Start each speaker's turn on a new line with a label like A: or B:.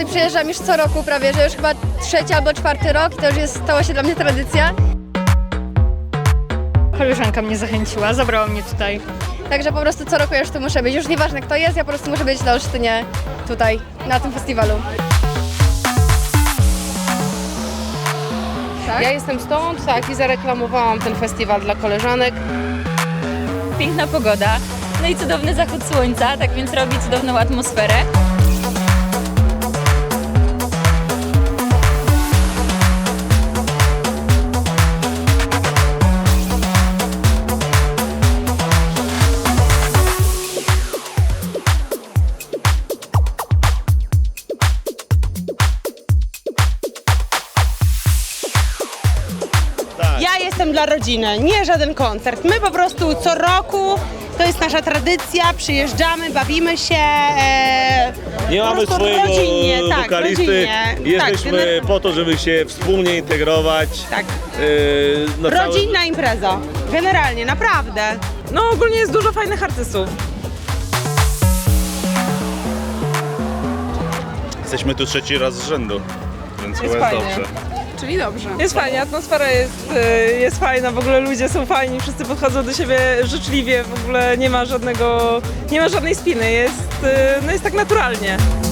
A: przyjeżdżam już co roku prawie, że już chyba 3. albo 4. rok i to już stała się dla mnie tradycja.
B: Koleżanka mnie zachęciła, zabrała mnie tutaj.
A: Także po prostu co roku ja już tu muszę być. Już nieważne kto jest, ja po prostu muszę być na Olsztynie tutaj, na tym festiwalu. Tak?
C: Ja jestem stąd, tak, i zareklamowałam ten festiwal dla koleżanek.
D: Piękna pogoda, no i cudowny zachód słońca, tak więc robi cudowną atmosferę.
E: Ja jestem dla rodziny, nie żaden koncert. My po prostu co roku, to jest nasza tradycja, przyjeżdżamy, bawimy się.
F: Nie
E: po
F: mamy
E: prostu
F: swojego
E: rodzinnie, tak,
F: wokalisty,
E: rodzinnie.
F: jesteśmy po to, żeby się wspólnie integrować.
E: Tak.
F: Na całe-
E: Rodzinna impreza, generalnie, naprawdę.
G: No ogólnie jest dużo fajnych artystów.
H: Jesteśmy tu 3. raz z rzędu, więc
G: Jest
H: chyba jest
G: fajnie.
H: dobrze.
C: Czyli dobrze.
G: Jest fajnie, atmosfera jest fajna, w ogóle ludzie są fajni, wszyscy podchodzą do siebie życzliwie, w ogóle nie ma żadnej spiny, jest tak naturalnie.